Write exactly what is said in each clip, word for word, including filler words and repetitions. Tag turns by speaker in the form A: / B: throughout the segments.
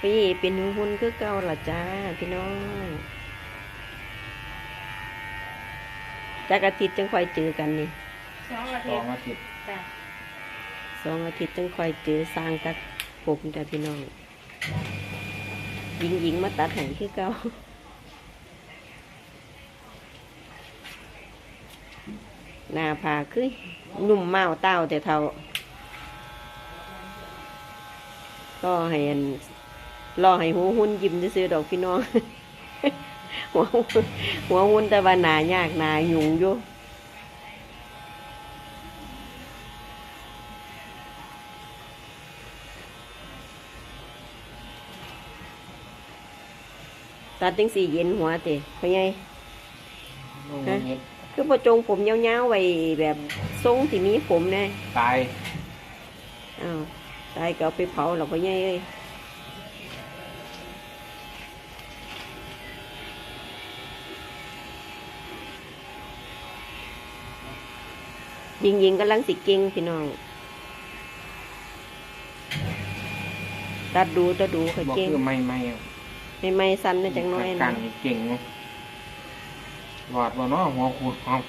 A: พี่เป็นหูหุ่นคือเก่าล่ะจ้าพี่น้องจากอาทิตย์จึงค่อยเจอกันนี่
B: สองอา
C: ส
B: ทิ
C: อ
B: ต
C: ง
B: ย์
C: อาทิตย์
B: จ้ะ
A: สองอาทิตย์จึงค่อยเจอสร้างตัดผมจ้าพี่น้องหญิงหญิงมาตัดให้คือเก่าหน้าผาคือหนุ่มเมาเต้าแต่เท่าก็ให้อันรอให้หัวหุ่นยิ้มซื้อๆดอกพี่น้อง หัวหัวหุ่นแต่ว่าหนายากหนาหยุ่งอยู่ตัดจังสี่เย็นหัวเตะเพราะไง
C: ลูกเห็ด
A: คือประจงผมยาวๆไว้แบบทรงที่มีผมแน่
C: ตาย
A: อ้าวตายก็เอาไปเผาหรอกเพราะไงเอ้ยยิงยิงๆกำลังสิเก่งพี่น้องตัดดูตัดดูเขา
C: บอก
A: เก่ง
C: คือไม่ไม่
A: ไม่ไม่สั้นนะจังน้อย
C: กั
A: นะ
C: นเก่งเนาะหลอดว่าน้อหัวขูดหอม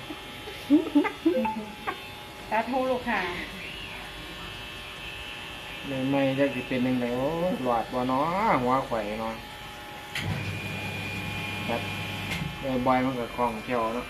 B: ตาทูลูกค่ะ
C: ไม่ไม่จะสิเป็นยังไงโอ้หลอดว่าน้อหัวไข่เนาะครับเออบอยมันก็คล่องแคล่วเนาะ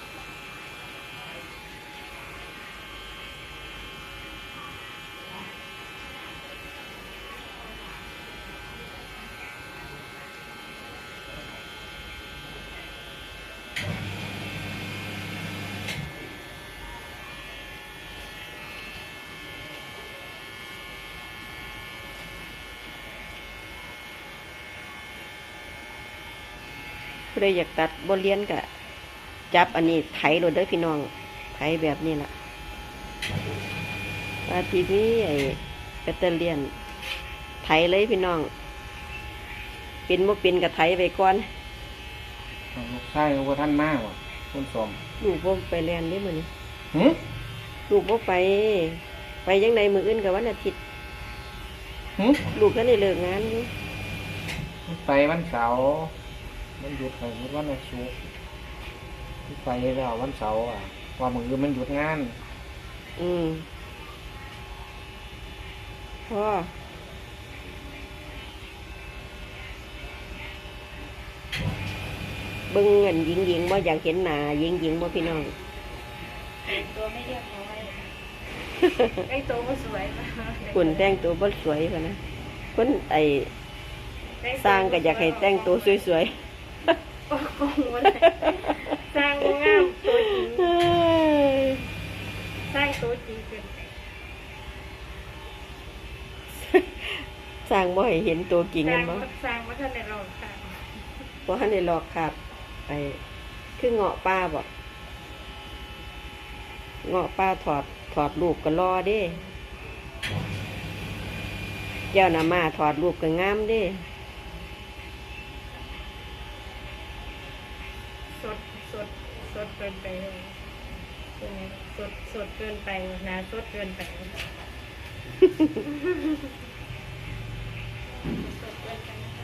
A: ผู้ใดอยากตัดบนเลียนกะจับอันนี้ไถโรดเด้อพี่น้องไถแบบนี้ล่ะว่าทีนี้ไอ้แบตเตอเลียนไถเลยพี่น้องเป็นบ่เป็นกะไถไปก่อน
C: ลูกไส้ว่าท่านมากว่ะคุณสม
A: ลูกบ่ไปเรียนได้มื้อนี้
C: หืม
A: ลูกบ่ไป ไปยังไดมื้ออื่นกับวันอาทิตย์
C: หืม
A: ลูกก็ได้เลิกงานอยู่
C: ไปวันเสาร์มันหยุดไปวันอาทิตย์ไปแล้ววันเสาร์อ่ะว่ามือมันหยุดงาน
A: อืมพ่อเบิ่งเงินหญิงๆบ่อยากเห็นหน้าหญิงๆบ่พี่น้อง
B: แต่งตัวไม่เรียบร้อยไอ้ตัวก็สวยมาก
A: คุณแต่งตัวบ่สวยพะนะคนไอ้สร้างก็อยากให้แต่งตัวสวย
B: โอ้โหสร้างงามตัวจริง
A: ๆ
B: สร้างตัวจริงเกินไป
A: สร้างบ่ให้เห็นตัวจริง
B: ส
A: กั
B: ร้าน ง
A: บ่
B: สร้างวัฒนธรรมค่ะ
A: บ่ทันได้หลอกครับไอ้คือเงาะป้าบ่เงาะป้าถอดถอดรูปก็รอเด้แก้วน้ำมาถอดรูปก็งามเด้
B: สดสดสดเกินไปเลยเป็นไงสดสดเกินไปนะสดเกินไปสดเกินไปนะคะ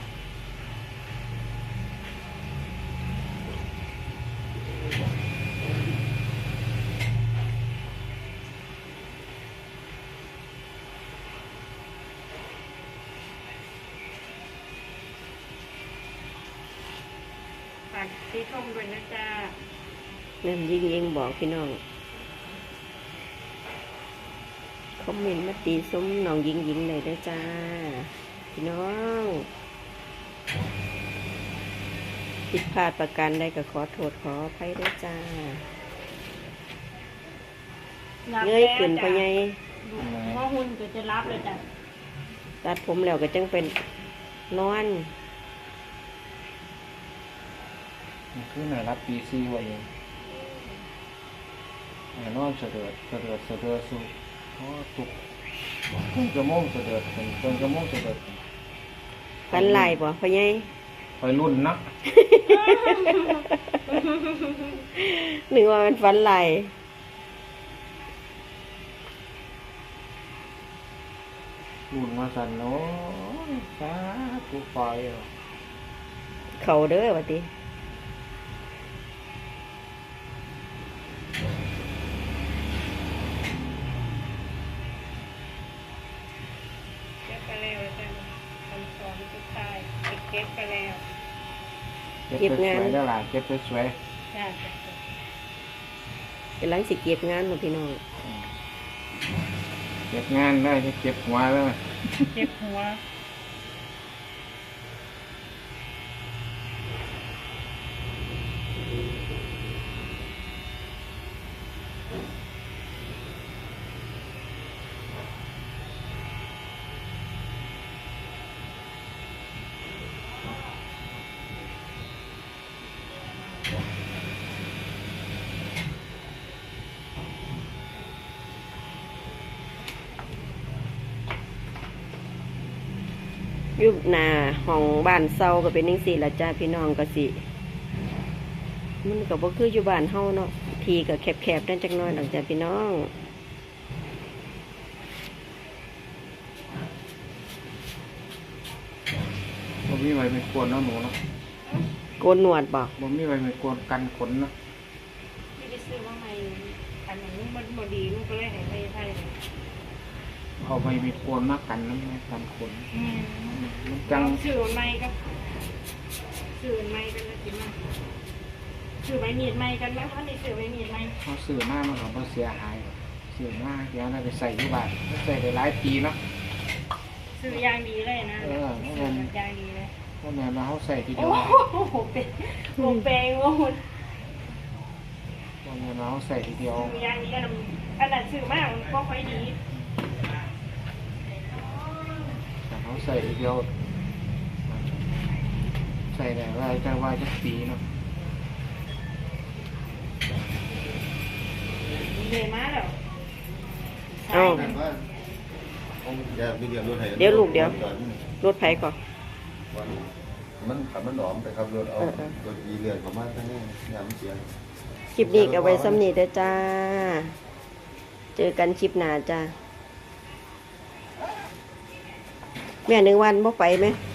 B: ฝากซีชมด้วยนะจ๊ะ
A: นั่นยิงยิงบอกพี่น้องคอมเมนต์มาตีซุ้มน้องยิงยิงเลยได้อจ้าพี่น้องผิดพลาดประการใดก็ขอโทษขออภัยด้วยจ้าเงยขึ้นไปไง
B: เพราะหุ่นก็จะรับเลยจ้ะ
A: ตัดผมแล้วก็จังเป็นนอน
C: มันคือน่ารับปีซีไว้เองอ่านอนเสด็จเสด็จเสด็จสุขอ๋อตุกเพิ่งกระโมงเสด็จเป็นเพิ่งกระโมงเสด็จ
A: ฟันลายบ่พ่อใหญ่
C: ไปรุ่นนะ
A: นึกว่ามันฟันลาย
C: มรุ่นมาสั่นโอ้ยสาธุปล่อยเอา
A: เขาเด้อว่าติ
B: เก็บไปแล้วอาจารย์คำสอนสุดท้ายเก็บไปแล้ว
C: เก็บสวยๆแล้วล่ะเก็บสวย
B: จ้า
A: กำลังสิเก็บงานบ่พี่น้อง
C: ๆเก็บงานได้จะเก็บหัวแล้ว
B: เก็บหัว
A: อยู่หน้าห้องบ้านเซาก็เป็นจังซี่ล่ะจ้าพี่น้องก็สิมันก็บ่คืออยู่บ้านเฮาเนาะทีก็แคบๆนั่นจักหน่อยดอกจ้าพี่น้อง
C: บ่มีไว้ไม่กวนเนาะหนูเนาะ
A: โกนหนวดบ่
C: บ่มีไว้ไม่กวนกันขนเนาะ
B: ที่ไปซื้อมาใหม่อันนั้นมันบ่ดีมันก็เลยให้ไปไทย
C: เอาไว้ไม่กวนมากันน้ำไงกันขน
B: อืม
C: มัน
B: จั
C: จั
B: ง
C: ง
B: ซื้อใหม่ก็ซื้อใหม่กันแล้วสิมาซื้อใบมีดใหม่กันแล้วอันนี้ซื้อใบมีดใหม่
C: เขาซื้อมามันก็บ่เสียหายซื้อมาเดี๋ยวน่าไปใส่อยู่บ้านใส่ได้หลายปีเนาะ
B: ซื้อยางดีเลยนะ
C: เออ
B: ซื้อแบบยางดีเลย
C: เพราะแม่มาเขาใส่ทีเดี
B: โอ้
C: ยว
B: โหเป็นโอ้เปงโอ้โห
C: เพราะแม่มาเขาใส่ทีเดียว
B: ซื้อยางดีอันนั้นอันนั้นซื้อมากมันก็ค่อยดี
C: แต่เขาใส่ทีเดียวใส่ได้ว่าจะว่าจะปีเนาะ
B: เลยมาแล้ว
A: เอ้า เดี๋ยวลูกเดี๋ยว รถไผก่อน
D: มันขับมันหนอมแต่ขับรถเอา
A: เออเออ
D: รถยีเรือนประมาณทั้งนี้ยามเสียง
A: คลิปนี้ก็ไว้ซ้ำนี้เด้อจ้า เจอกันคลิปหน้าจ้า แม่หนึ่งวันบ่ไปไหม
D: ไ